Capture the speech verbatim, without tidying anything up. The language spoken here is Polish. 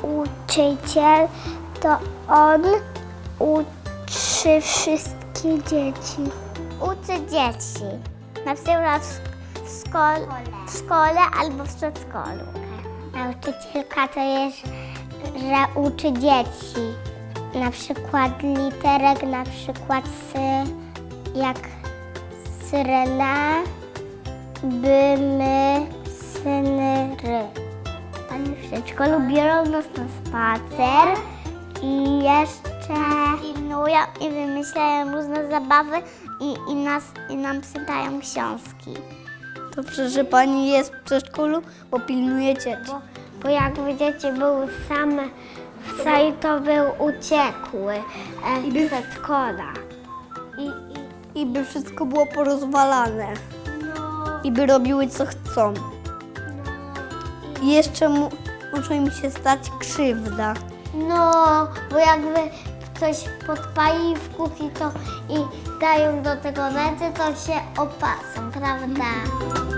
nauczyciel, to on uczy wszystkie dzieci. Uczy dzieci, na przykład w szkole, w szkole albo w przedszkolu. Nauczycielka to jest, że uczy dzieci. Na przykład literek, na przykład sy, jak syrena, by, my, syny, ry. Pani w przedszkolu biorą nas na spacer i jeszcze pilnują i wymyślają różne zabawy i, i, nas, i nam czytają książki. Dobrze, że pani jest w przedszkolu, bo pilnuje dzieci. Bo, bo jakby dzieci były same w sali, to był uciekły e, I by- przedszkola. I, i, I by wszystko było porozwalane. no, I by robiły co chcą. no, I jeszcze mu, może im się stać krzywda. no, bo jakby ktoś podpali w kuchni to i dają do tego ręce, to się opasą, prawda?